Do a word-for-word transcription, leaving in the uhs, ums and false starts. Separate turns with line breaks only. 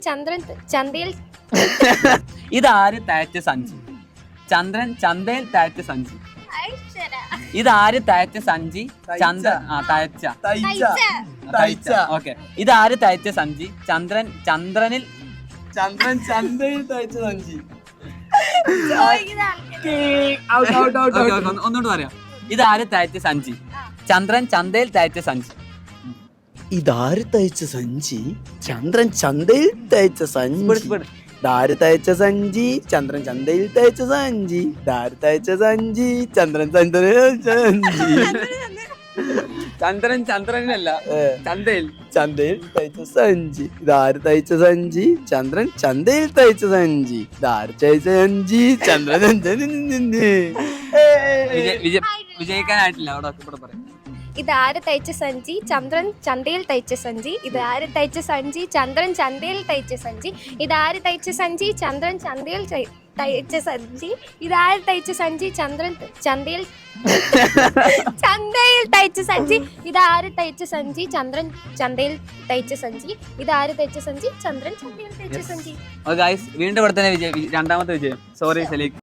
ചന്ദ്രൻ ചന്തയിൽ
ഇതാര് തയ്ച്ച സഞ്ചി? ചന്ദ്രൻ ചന്തയിൽ തയ്ച്ച സഞ്ചി. ഇതാര് തയ്ച്ച സഞ്ചി? ചന്ദ്ര ആ തയ്ച്ച തയ്ച്ച ഓക്കെ. ഇതാര് തയ്ച്ച സഞ്ചി? ചന്ദ്രൻ ചന്ദ്രനിൽ
ചന്ദ്രൻ ചന്തയിൽ തയ്ച്ച സഞ്ചി.
ഒന്നുകൂടെ പറയാം. ഇതാര് തയ്ച്ച സഞ്ചി? ചന്ദ്രൻ ചന്തയിൽ തയ്ച്ച സഞ്ചി.
ഇതാര് തയ്ച്ച സഞ്ചി? ചന്ദ്രൻ ചന്തയിൽ തയ്ച്ച സഞ്ചി. ദാര് തയ്ച്ച സഞ്ചി ചന്ദ്രൻ ചന്തയിൽ തയ്ച്ച സഞ്ചി. ദാര് തയ്ച്ച സഞ്ചി ചന്ദ്രൻ ചന്തയിൽ സഞ്ചി.
ചന്ദ്രൻ ചന്ദ്രനല്ല ചന്തയിൽ
ചന്തയിൽ തയ്ച്ച സഞ്ചി. ഇതാര് തയ്ച്ച സഞ്ചി? ചന്ദ്രൻ ചന്തയിൽ തയ്ച്ച സഞ്ചി. ദാര് തയ്ച്ച സഞ്ചി ചന്ദ്രൻ
വിജയിക്കാനായിട്ടില്ല. അവിടെ ഇവിടെ പറയാം.
ഇതാര് തയ്ച്ച സഞ്ചി? ചന്ദ്രൻ ചന്തയിൽ തയ്ച്ച സഞ്ചി. ഇതാര് തയ്ച്ച സഞ്ചി? ചന്ദ്രൻ ചന്തയിൽ തയ്ച്ച സഞ്ചി. ഇതാര് തയ്ച്ച സഞ്ചി? ചന്ദ്രൻ ചന്തയിൽ തയ്ച്ച സഞ്ചി. ഇതാര് തയ്ച്ച സഞ്ചി? ചന്ദ്രൻ ചന്തയിൽ ചന്തയിൽ തയ്ച്ച സഞ്ചി. ഇതാര് തയ്ച്ച സഞ്ചി? ചന്ദ്രൻ ചന്തയിൽ തയ്ച്ച സഞ്ചി. ഇതാര് തയ്ച്ച സഞ്ചി? ചന്ദ്രൻ ചന്തയിൽ തയ്ച്ച സഞ്ചി.
വീണ്ടും ഇവിടെ തന്നെ വിജയം, രണ്ടാമത്തെ വിജയം. സോറി സലീഖ്.